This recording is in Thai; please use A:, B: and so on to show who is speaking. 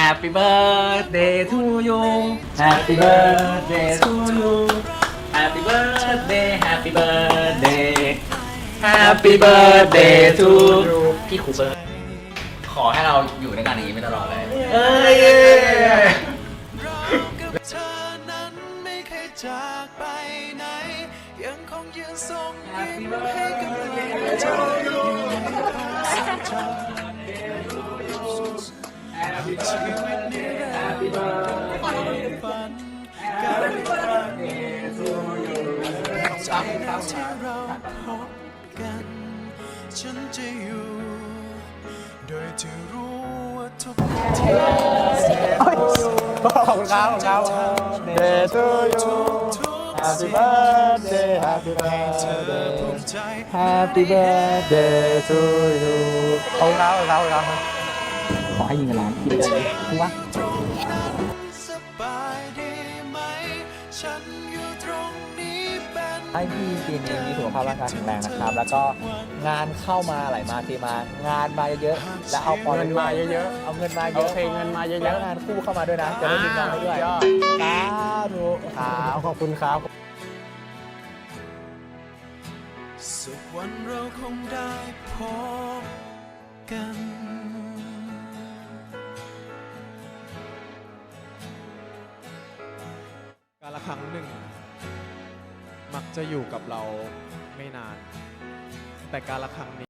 A: Happy birthday to you Happy birthday to you Happy birthday Happy birthday Happy birthday to you พี่ครูเบิร์ดขอให้เราอยู่ในการอย่างนี้ไปตลอดเลยเอ้ย
B: เธอนั้นไม่เคยจากไปไหนยังคงยืนทรงยิ้มให้กำลังใจอยู่ในความทรงจำชีวิตนี้ได้ฝันการรักใจแล้วที่เราพบกันฉันจะอยู่โดยที่รู้ว่าทุกที
C: ขอบคุณครับขอบคุณครับ Day to you Happy birthday Happy birthday Happy birthday to you ขอบคุณครับขอบคุณครับขอให้ยิงกันล้านพี่ได้ถูกปะ
B: สบายดีไหมฉันอยู่ตรงนี้เป็น
C: ให้พี่ปีนี้มีสุขภาพร่างกายแข็งแรงนะครับ แล้วก็งานเข้ามาไหลมาเทมางานมาเยอะๆแล้วเอาพอเงินมาเยอะๆเอาเงินมาเยอะเงินมาเยอะๆแล้วงานคู่เข้ามาด้วยนะจะได้ดึงงานให้ด้วยสาธุครับขอบคุณครับ
B: สักวันเราคงได้พบกัน
D: กาลครั้งหนึ่ง มักจะอยู่กับเราไม่นาน แต่กาลครั้งนี้